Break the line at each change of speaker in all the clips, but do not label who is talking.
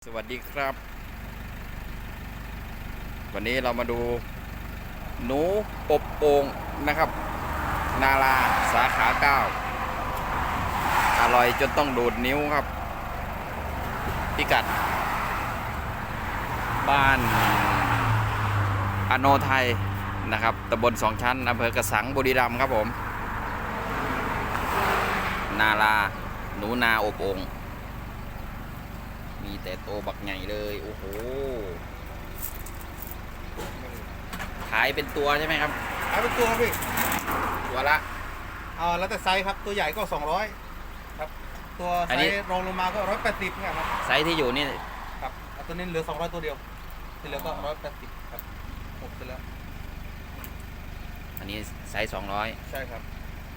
สวัสดีครับวันนี้เรามาดูหนูอบโอ่งนะครับนาราสาขา9อร่อยจนต้องดูดนิ้วครับพิกัดบ้านอโนไทยนะครับตำบลสองชั้นอำเภอกระสังบุรีรัมย์ครับผมนาราหนูนาอบโอ่งมีแต่โตบักใหญ่เลยโอ้โหขายเป็นตัวใช่ไหมครับ
ขายเป็นตัวครับพี่
ตัวละ
แล้วแต่ไซส์ครับตัวใหญ่ก็200ครับตัวไซส์รองลงมาก็180เนี่ยครับ
ไซส์ที่อยู่นี่
ครับตัวนี้เหลือ200ตัวเดียวที่เหลือก็180ครับหมดไปแล้ว
อันนี้ไซส์200
ใช่ครับ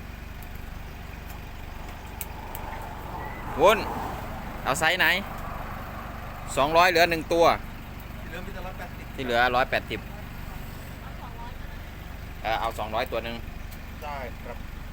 วุ้นเอาไซส์ไหน200เหลือ1ตัว
ที่เหลือมีแต่180
ที่เหลือ180เอา200ตัวหนึ่ง
ได้ครับ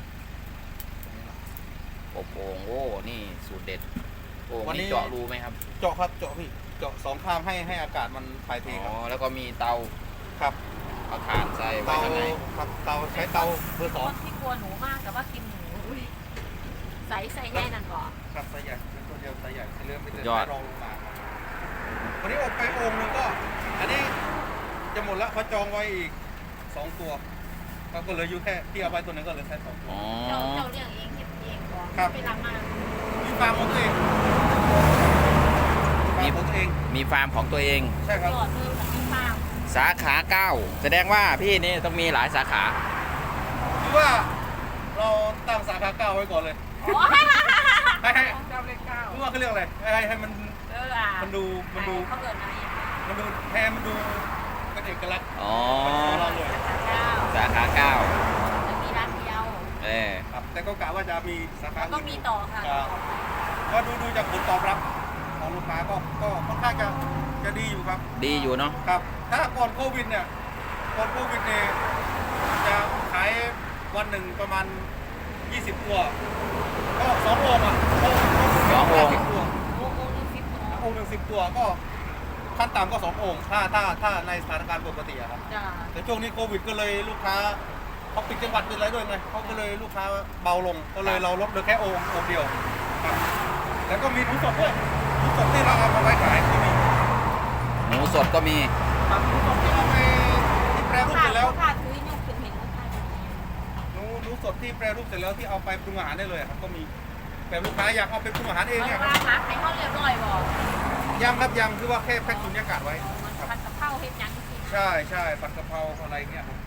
อบโอ่งโอ้นี่สูตรเด็ดโอ่งนี่เจาะรูไหมครับ
เจาะครับเจาะพี่เจาะ2ข้างให้อากาศมันถ่ายเทครับ
แล้วก็มีเตา
ครับ
เอาถ่านใส่ไว้ข้างใน
ครับเตาใช้เตาเบอร์2
ที่กลัวหนูมากแต่ว่ากินหนูใส่แน่นั่นก่อน
ครับไซส์ใหญ่เป็นตัวเดียวไซส์ใหญ่ที่เหลือมีแต่ไซส์รองลงมาวันนี้อบไปโอ่งนึงก็อันนี้จะหมดแล้วเขาจองไว้อีก2ตัวก็เหลืออยู่แค่ที่เอาไปตัวนึงก็เหลือแค่2ตัว
เจ้าเลี้ยงเองเก็บเองก่อนไปรับมา
มีฟาร์มของตัวเอง
มีฟาร์มของตัวเอง
ใช่ครับ
ยอดเลยมีฟาร์ม
สาขา9แสดงว่าพี่นี่ต้องมีหลายสาขา
คือว่าเราตั้งสาขา9ไว้ก่อนเลยให้เจ้าเลข9รู้ว่าเขาเรียกอะไรให้มันดู
เขาเกิดอะไร
มันดูแทนมันดูเป็นเอกลักษณ์
สาขา9
จะมีร้านเดียว
ครับแต่ก็กะว่าจะมีสาขา
ก็มีต่อค่ะ
ก็ดูจากผลตอบรับของลูกค้าก็ค่อนข้างจะดีอยู่ครับ
ดีอยู่เนาะ
ครับถ้าก่อนโควิดเนี่ยจะขายวันหนึ่งประมาณ20ตัวก็2โอ่งอ่ะ
2โอ่ง
โอ่ง10ตัวก็ขั้นต่ำก็2โอ่งถ้าในสถานการณ์ปกติครับแต่ช่วงนี้โควิดก็เลยลูกค้าเขาปิดจังหวัดเป็นอะไรด้วยไงเขาก็เลยลูกค้าเบาลงก็เลยเราลดเหลือแค่โอ่งเดียวครับแล้วก็มีหมูสดด้วยหมูสดที่เราเอามาไว้ขายก็มี
หมูสดก็มี
หมูสดที่เอาไปแปรรูปเสร็จแล้วหมูสดที่แปรรูปเสร็จแล้วที่เอาไปปรุงอาหารได้เลยครับก็มีแต่ลูกค้าอยากเอาไปปรุงอาหารเองเนี่ย
ครับร้านขายข้าวเรียบร้อยบอก
ยังครับยังคือว่าแค่แพ็คสุญญากาศไว้
ผัดกะเพราเฮ็ดยัง
ใช่ผัดกะเพราอะไรเงี้ย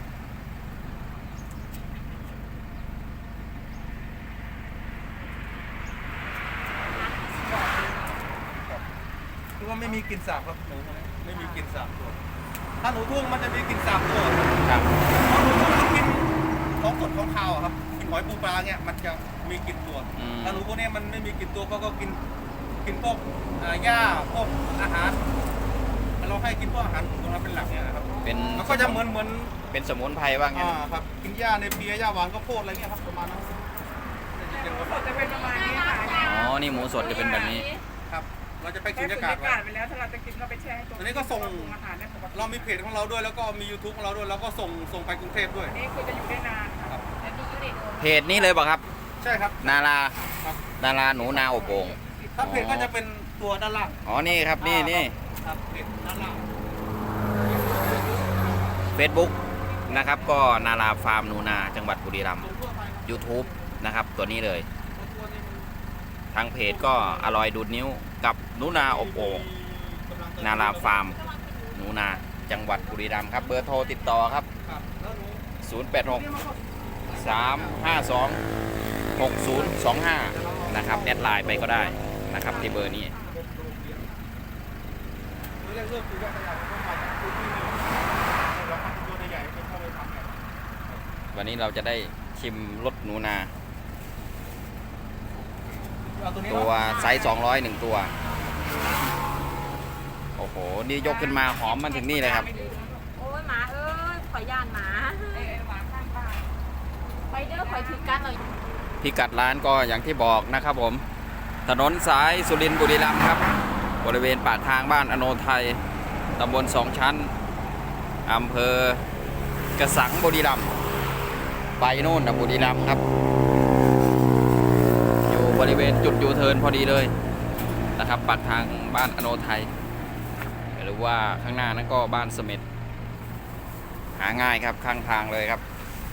คือว่าไม่มีกลิ่นสาบครับหนูไม่มีกลิ่นสาบตัวถ้าหนูทุ่งมันจะมีกลิ่นสาบตัว
ครับ
เพราะหนูทุ่งมันกินของสดของข้าวครับกินหอยปูปลาเนี่ยมันจะมีกลิ่นตัวถ้าหนูพวกนี้มันไม่มีกลิ่นตัวก็กินพวกหญ้าพวกอาหารเราให้กินพวกอาหารตรงนั้นเป็นหลักเนี่ยครับมันก็จะเหมือน
เป็นสมุนไพรว่างั้น
ครับกินหญ้าในเปียหญ้าหวานก็โพดอะไรเงี้ยครับประมาณนั้น
หมูสดจะเป็นประมาณนี้ค่ะ
นี่หมูสดจะเป็นแบบนี้
ครับเราจะไปกินบรรยากาศ
ไปแล้วถ้าเราจะกินก็ไปแช่
ตัวนี้ก็ส่งเรามีเพจของเราด้วยแล้วก็มี YouTube ของเราด้วยแล้วก็ส่งไปกรุงเทพด้วย
นี่คือจะอยู่ได้นานครับ
เพจนี้เลยป่ะครับ
ใช่ครับ
นาราหนูนาอบโอ่ง
ถ้าเพจก็จะเป็นตัวด้านล่าง
นี่ครับนี่
ครับเพจด้านล่าง
Facebook นะครับก็นาราฟาร์มหนูนาจังหวัดบุรีรัมย์ YouTube นะครับตัวนี้เลยทางเพจก็อร่อยดูดนิ้วกับหนูนาอบโอ่งนาราฟาร์มหนูนาจังหวัดบุรีรัมย์ครับเบอร์โทรติดต่อครับ086 352 6025นะครับแอดไลน์ไปก็ได้นะครับที่เบอร์นี้วันนี้เราจะได้ชิมรสหนูนาตัวไซส์201ตัวโอ้โหนี่ยกขึ้นมาหอมมันถึงนี่เลยครับ
โอ้ยหมาเอ้ยข่อยย่านหมาไปเด้อข่อยถือกันเลย
พิกัดร้านก็อย่างที่บอกนะครับผมถนนสายสุรินทร์บุรีรัมย์ครับบริเวณปากทางบ้านอโนไทยตำบลสองชั้นอำเภอกระสังบุรีรัมย์ไปโน่นนะบุรีรัมย์ครับอยู่บริเวณจุดยูเทิร์นพอดีเลยนะครับปากทางบ้านอโนไทยหรือว่าข้างหน้านั้นก็บ้านเสม็ดหาง่ายครับข้างทางเลยครับ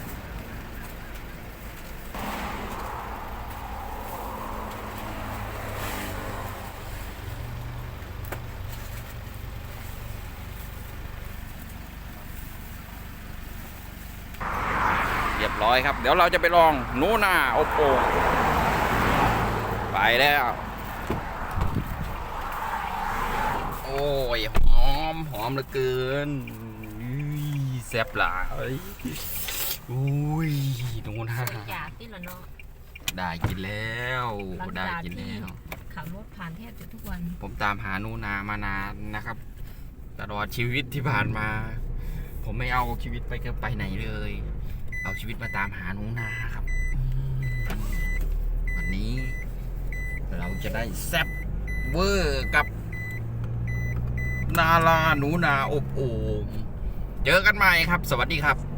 เรียบร้อยครับเดี๋ยวเราจะไปลองหนูนาอบโอ่งไปแล้วโอ้ยหอมเหลือเกินแซ่บหลายอุ้ยหนูนา
อยากกินเหรอเนาะ
ได้กินแล้ว
หลัง
ได้
จาก
กิน
ที่
แล้ว
ขับรถผ่านแทบจะทุกวัน
ผมตามหาหนูนามานานนะครับตลอดชีวิตที่ผ่านมา ผมไม่เอาชีวิตไปไหนเลย เอาชีวิตมาตามหาหนูนาครับวันนี้เราจะได้แซ่บเวอร์กับนาลาหนูนาอบโอ่งเจอกันใหม่ครับ สวัสดีครับ